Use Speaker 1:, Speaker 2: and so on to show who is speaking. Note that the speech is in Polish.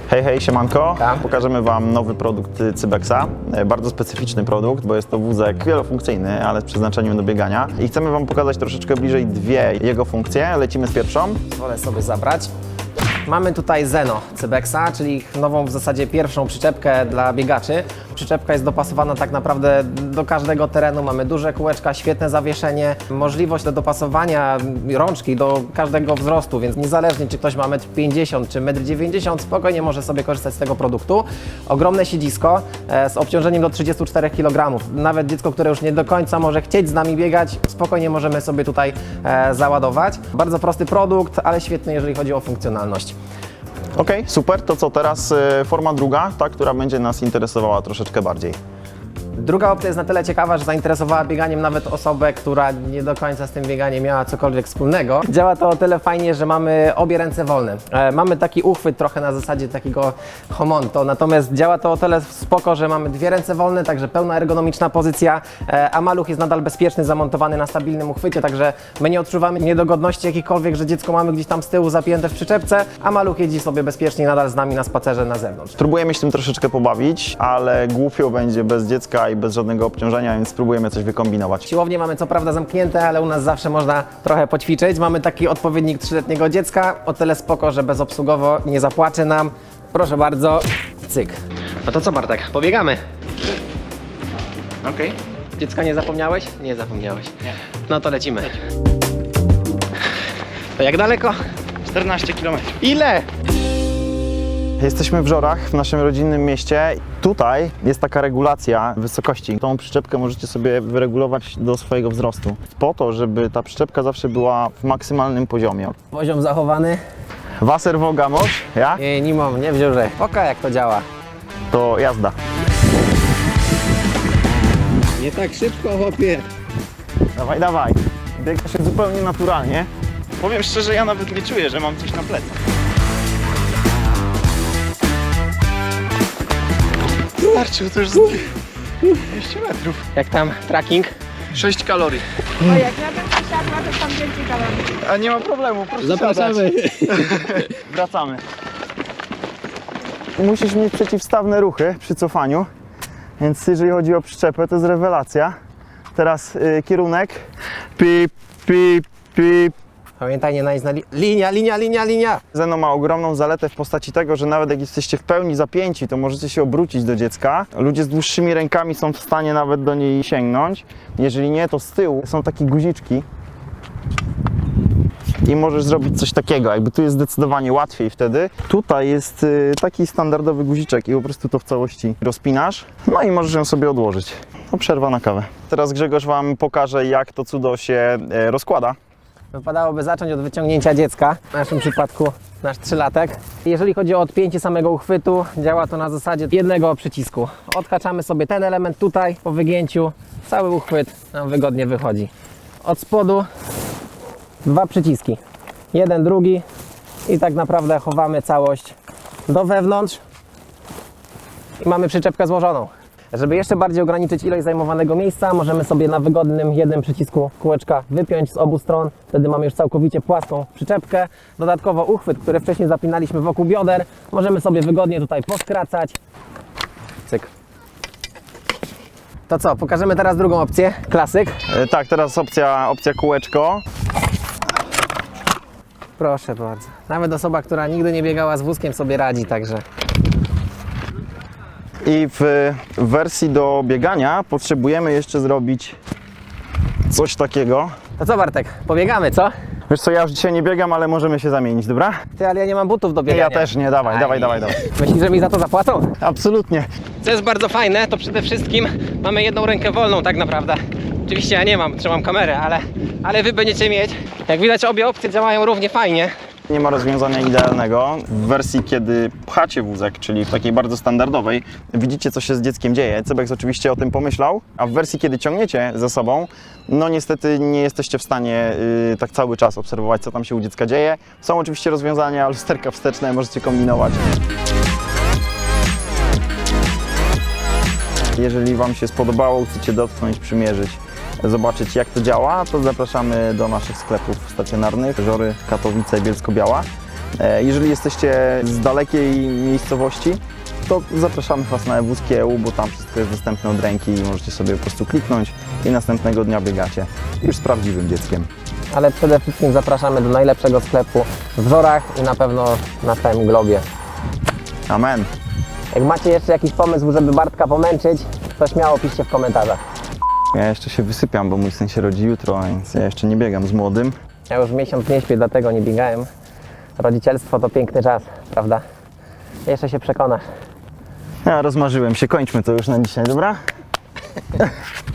Speaker 1: Hej, hej, siemanko.
Speaker 2: Tam.
Speaker 1: Pokażemy Wam nowy produkt Cybexa. Bardzo specyficzny produkt, bo jest to wózek wielofunkcyjny, ale z przeznaczeniem do biegania. I chcemy Wam pokazać troszeczkę bliżej dwie jego funkcje. Lecimy z pierwszą.
Speaker 2: Wolę sobie zabrać. Mamy tutaj Zeno Cybexa, czyli ich nową w zasadzie pierwszą przyczepkę dla biegaczy. Przyczepka jest dopasowana tak naprawdę do każdego terenu. Mamy duże kółeczka, świetne zawieszenie, możliwość do dopasowania rączki do każdego wzrostu, więc niezależnie czy ktoś ma 1,50 m czy 1,90 m, spokojnie może sobie korzystać z tego produktu. Ogromne siedzisko z obciążeniem do 34 kg. Nawet dziecko, które już nie do końca może chcieć z nami biegać, spokojnie możemy sobie tutaj załadować. Bardzo prosty produkt, ale świetny, jeżeli chodzi o funkcjonalność.
Speaker 1: Ok, super. To co teraz forma druga, ta, która będzie nas interesowała troszeczkę bardziej.
Speaker 2: Druga opcja jest na tyle ciekawa, że zainteresowała bieganiem nawet osobę, która nie do końca z tym bieganiem miała cokolwiek wspólnego. Działa to o tyle fajnie, że mamy obie ręce wolne. Mamy taki uchwyt trochę na zasadzie takiego homonto, natomiast działa to o tyle spoko, że mamy dwie ręce wolne, także pełna ergonomiczna pozycja, a maluch jest nadal bezpieczny, zamontowany na stabilnym uchwycie, także my nie odczuwamy niedogodności jakichkolwiek, że dziecko mamy gdzieś tam z tyłu zapięte w przyczepce, a maluch jeździ sobie bezpiecznie nadal z nami na spacerze na zewnątrz.
Speaker 1: Spróbujemy się tym troszeczkę pobawić, ale głupio będzie bez dziecka i bez żadnego obciążenia, więc spróbujemy coś wykombinować.
Speaker 2: Siłownie mamy co prawda zamknięte, ale u nas zawsze można trochę poćwiczyć. Mamy taki odpowiednik 3-letniego dziecka, o tyle spoko, że bezobsługowo nie zapłacze nam. Proszę bardzo, cyk. No to co, Bartek, pobiegamy?
Speaker 1: Okej.
Speaker 2: Dziecka nie zapomniałeś? Nie zapomniałeś. Nie. No to lecimy. To jak daleko?
Speaker 1: 14 km.
Speaker 2: Ile?
Speaker 1: Jesteśmy w Żorach, w naszym rodzinnym mieście. Tutaj jest taka regulacja wysokości. Tą przyczepkę możecie sobie wyregulować do swojego wzrostu. Po to, żeby ta przyczepka zawsze była w maksymalnym poziomie.
Speaker 2: Poziom zachowany.
Speaker 1: Wasserwoga moż, ja?
Speaker 2: Nie mam, nie wziął, że. Oka jak to działa.
Speaker 1: To jazda.
Speaker 2: Nie tak szybko, chłopie.
Speaker 1: Dawaj, dawaj. Biega się zupełnie naturalnie. Powiem szczerze, ja nawet nie czuję, że mam coś na plecach. Starczył to już z 200 metrów.
Speaker 2: Jak tam tracking?
Speaker 1: 6 kalorii.
Speaker 3: O, jak ja bym siadła, to tam więcej kalorii.
Speaker 1: A nie ma problemu, proszę
Speaker 2: Zapraszamy.
Speaker 1: siadać. Wracamy. Musisz mieć przeciwstawne ruchy przy cofaniu, więc jeżeli chodzi o przyczepę, to jest rewelacja. Teraz kierunek. Pip, pip, pip.
Speaker 2: Pamiętaj, nie najeźdź na linia.
Speaker 1: Zeno ma ogromną zaletę w postaci tego, że nawet jak jesteście w pełni zapięci, to możecie się obrócić do dziecka. Ludzie z dłuższymi rękami są w stanie nawet do niej sięgnąć. Jeżeli nie, to z tyłu są takie guziczki i możesz zrobić coś takiego. Jakby tu jest zdecydowanie łatwiej wtedy. Tutaj jest taki standardowy guziczek i po prostu to w całości rozpinasz. No i możesz ją sobie odłożyć. No, przerwa na kawę. Teraz Grzegorz Wam pokaże, jak to cudo się rozkłada.
Speaker 2: Wypadałoby zacząć od wyciągnięcia dziecka, w naszym przypadku nasz 3-latek. Jeżeli chodzi o odpięcie samego uchwytu, działa to na zasadzie jednego przycisku. Odhaczamy sobie ten element tutaj, po wygięciu cały uchwyt nam wygodnie wychodzi. Od spodu 2 przyciski, jeden, drugi i tak naprawdę chowamy całość do wewnątrz i mamy przyczepkę złożoną. Żeby jeszcze bardziej ograniczyć ilość zajmowanego miejsca, możemy sobie na wygodnym jednym przycisku kółeczka wypiąć z obu stron. Wtedy mamy już całkowicie płaską przyczepkę. Dodatkowo uchwyt, który wcześniej zapinaliśmy wokół bioder, możemy sobie wygodnie tutaj poskracać. Cyk. To co, pokażemy teraz drugą opcję, klasyk.
Speaker 1: Tak, teraz opcja kółeczko.
Speaker 2: Proszę bardzo. Nawet osoba, która nigdy nie biegała z wózkiem, sobie radzi, także.
Speaker 1: I w wersji do biegania potrzebujemy jeszcze zrobić coś takiego.
Speaker 2: To co, Bartek, pobiegamy, co?
Speaker 1: Wiesz co, ja już dzisiaj nie biegam, ale możemy się zamienić, dobra?
Speaker 2: Ty, ale ja nie mam butów do biegania.
Speaker 1: Ja też nie, dawaj.
Speaker 2: Myślisz, że mi za to zapłacą?
Speaker 1: Absolutnie.
Speaker 2: Co jest bardzo fajne, to przede wszystkim mamy jedną rękę wolną tak naprawdę. Oczywiście ja nie mam, trzymam kamerę, ale wy będziecie mieć. Jak widać, obie opcje działają równie fajnie.
Speaker 1: Nie ma rozwiązania idealnego. W wersji, kiedy pchacie wózek, czyli w takiej bardzo standardowej, widzicie, co się z dzieckiem dzieje. Cybex oczywiście o tym pomyślał, a w wersji, kiedy ciągniecie ze sobą, no niestety nie jesteście w stanie tak cały czas obserwować, co tam się u dziecka dzieje. Są oczywiście rozwiązania, lusterka wsteczne, możecie kombinować. Jeżeli Wam się spodobało, chcecie dotknąć, przymierzyć, zobaczyć, jak to działa, to zapraszamy do naszych sklepów stacjonarnych: Żory, Katowice, Bielsko-Biała. Jeżeli jesteście z dalekiej miejscowości, to zapraszamy Was na Ewuskie EU, bo tam wszystko jest dostępne od ręki i możecie sobie po prostu kliknąć i następnego dnia biegacie już z prawdziwym dzieckiem.
Speaker 2: Ale przede wszystkim zapraszamy do najlepszego sklepu w Żorach i na pewno na całym globie.
Speaker 1: Amen.
Speaker 2: Jak macie jeszcze jakiś pomysł, żeby Bartka pomęczyć, to śmiało piszcie w komentarzach.
Speaker 1: Ja jeszcze się wysypiam, bo mój syn się rodzi jutro, więc ja jeszcze nie biegam z młodym.
Speaker 2: Ja już miesiąc nie śpię, dlatego nie biegałem. Rodzicielstwo to piękny czas, prawda? Jeszcze się przekonasz.
Speaker 1: Ja rozmarzyłem się, kończmy to już na dzisiaj, dobra?